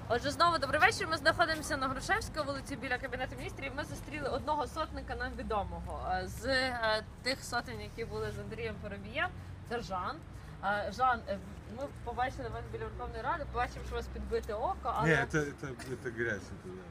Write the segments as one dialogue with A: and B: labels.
A: Отже, знову добрий вечір. Ми знаходимося на Грушевській вулиці біля Кабінету міністрів. Ми зустріли одного сотника нам відомого з тих сотень, які були з Андрієм Парубієм. Це Жан. Жан, ми побачили вас біля Верховної Ради, побачимо, що у вас підбите око, але...
B: Ні, це грязь.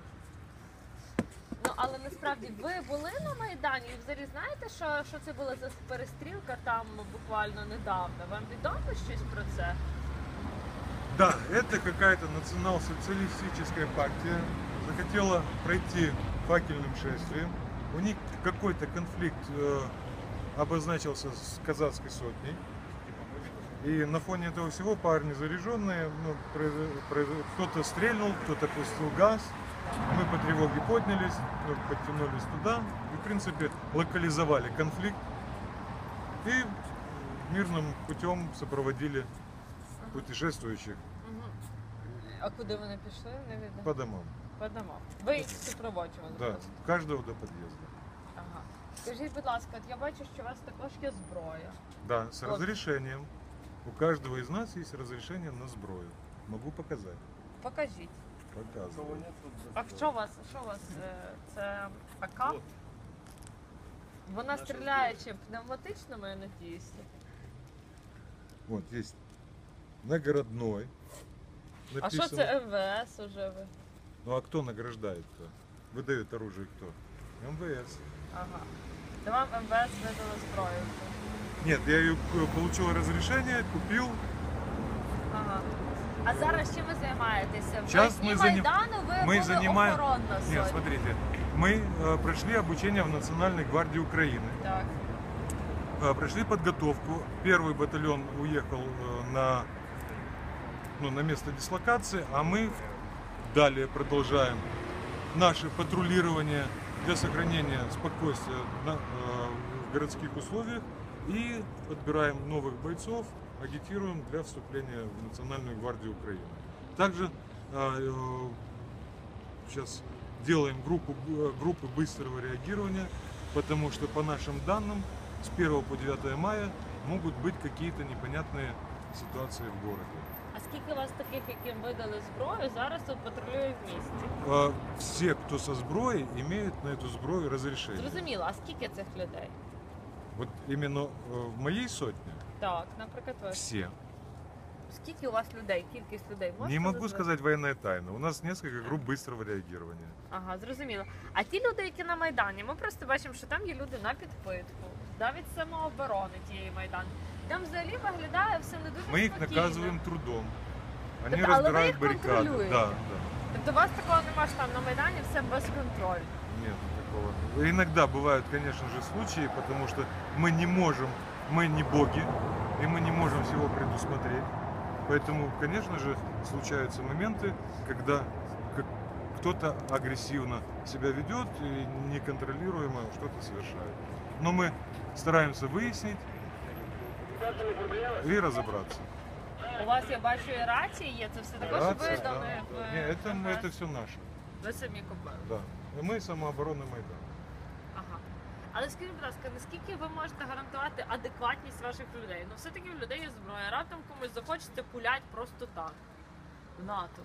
A: Ну, але насправді ви були на Майдані і взагалі знаєте, що це була за перестрілка там буквально недавно? Вам відомо щось про це?
B: Да, это какая-то национал-социалистическая партия захотела пройти факельным шествием. У них какой-то конфликт обозначился с казацкой сотней. И на фоне этого всего парни заряженные, кто-то стрельнул, кто-то пустил газ. Мы по тревоге поднялись, подтянулись туда и, в принципе, локализовали конфликт. И мирным путем сопроводили путешествующих.
A: А куди вони пішли? Не видно.
B: По домам.
A: По домам. Ви їх супроводжували?
B: Да, каждого до подъезда.
A: Ага. Скажіть, будь ласка, от я бачу, що у вас також є зброя.
B: Да, с разрешением. У каждого из нас есть разрешение на зброю. Могу показать.
A: Покажіть.
B: Показываю.
A: А що у вас? Це АК? Вона стріляє чим? Пневматичними, я надіюся.
B: Вот есть наградной.
A: А що це МВС уже ви?
B: Ну а кто награждает-то? Выдает оружие кто? МВС.
A: Ага. То вам МВС видало зброю.
B: Нет, я ее получил разрешение, купил.
A: Ага. А зараз чим ви займаєтеся?
B: Сейчас
A: В
B: мы
A: Майдану ви були
B: занимаем.
A: охоронна сотня.
B: Нет, смотрите, мы прошли обучение в Национальной гвардии Украины.
A: Так.
B: Прошли подготовку. Первый батальон уехал на место дислокации, а мы далее продолжаем наше патрулирование для сохранения спокойствия в городских условиях и подбираем новых бойцов, агитируем для вступления в Национальную гвардию Украины. Также сейчас делаем группы быстрого реагирования, потому что по нашим данным с 1 по 9 мая могут быть какие-то непонятные ситуации в городе.
A: А скільки у вас таких, яким видали зброю, зараз тут патрулює в місті?
B: Все, кто со зброей, имеют на эту зброю разрешение.
A: Зрозуміло, а скільки цих людей?
B: Вот именно в моей сотне
A: Так, наприклад, ви.
B: все.
A: Скільки у вас людей, кількість людей? Можете
B: Не могу
A: назвати?
B: сказать военная тайна. У нас несколько групп быстрого реагирования.
A: Ага, зрозуміло. А ті люди, які на Майдані, ми просто бачимо, що там є люди на підпитку, навіть самооборони тієї Майдану. Там взагалі виглядає все не дуже
B: Мы их
A: спокійно.
B: наказываем трудом. Они
A: Тобто, але ви
B: разбирают
A: їх
B: баррикады.
A: контролюєте?
B: Да.
A: Тобто у вас такого немає, що там на Майдані все без контролю?
B: Нет такого. Иногда бывают, конечно же, случаи, потому что мы не можем, мы не боги, и мы не можем всего предусмотреть. Поэтому, конечно же, случаются моменты, когда кто-то агрессивно себя ведет и неконтролируемо что-то совершает. Но мы стараемся выяснить и разобраться.
A: У вас, я бачу, і рації є, це все також
B: Рация,
A: видано.
B: да. Не, это все наше.
A: Ви самі купили.
B: Да. И мы самооборона Майдана.
A: Ага. Але скажіть, будь ласка, наскільки ви можете гарантувати адекватність ваших людей? Ну все-таки в людей є зброя, раптом комусь захочеться пулять просто так. В НАТО.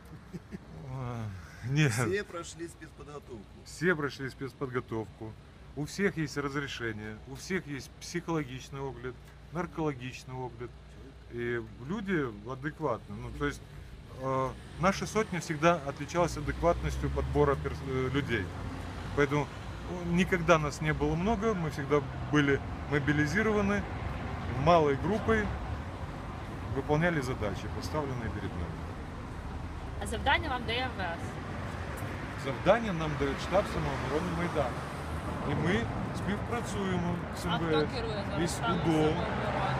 B: Нет.
C: Все прошли спецподготовку.
B: Все прошли спецподготовку. У всех есть разрешение, у всех есть психологичный огляд, наркологичный огляд. И люди адекватны. Ну, то есть наша сотня всегда отличалась адекватностью подбора людей. Поэтому никогда нас не было много, мы всегда были мобилизированы малой группой, выполняли задачи, поставленные перед нами.
A: А завдання вам дає МВС.
B: Завдання нам дає штаб самооборони Майдану. І ми співпрацюємо з
A: А хто
B: МВС
A: керує
B: і
A: зараз
B: з
A: станом
B: УДО.
A: самооборони?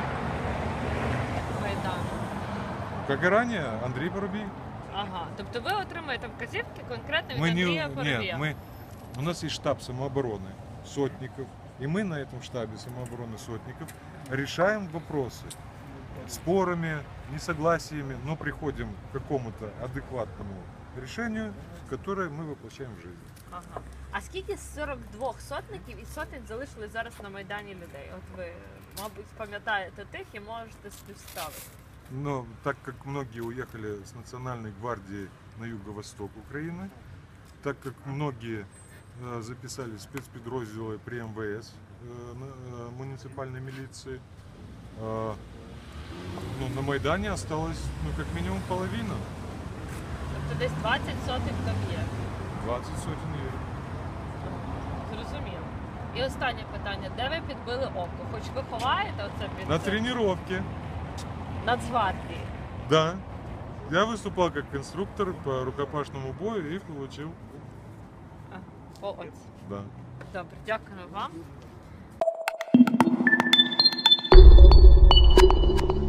A: Майдану.
B: Как и ранее, Андрей Парубій.
A: Ага, тобто ви отримуєте вказівки конкретно від
B: Мы
A: Андрія Парубія?
B: нет, у нас есть штаб самообороны сотников, и мы на этом штабе самообороны сотников решаем вопросы спорами, несогласиями, но приходим к какому-то адекватному решению, которое мы воплощаем в жизнь.
A: Ага. А скільки з 42 сотників і сотень залишили зараз на Майдані людей? От ви, мабуть, пам'ятаєте тих і можете співставити.
B: Но так как многие уехали с Национальной гвардии на юго-восток Украины, так как многие записали в спецподразделы при МВС, муниципальной милиции, ну, на Майдане осталось как минимум половина.
A: Тобто десь 20 сотих там є.
B: 20 сотен є.
A: Зрозуміло. І останнє питання. Де ви підбили око? Хоч ви ховаєте оце під
B: На
A: це?
B: тренировке,
A: Нацгвардії.
B: да. Я выступал как инструктор по рукопашному бою и получил,
A: Ось.
B: да.
A: Добре, дякую вам.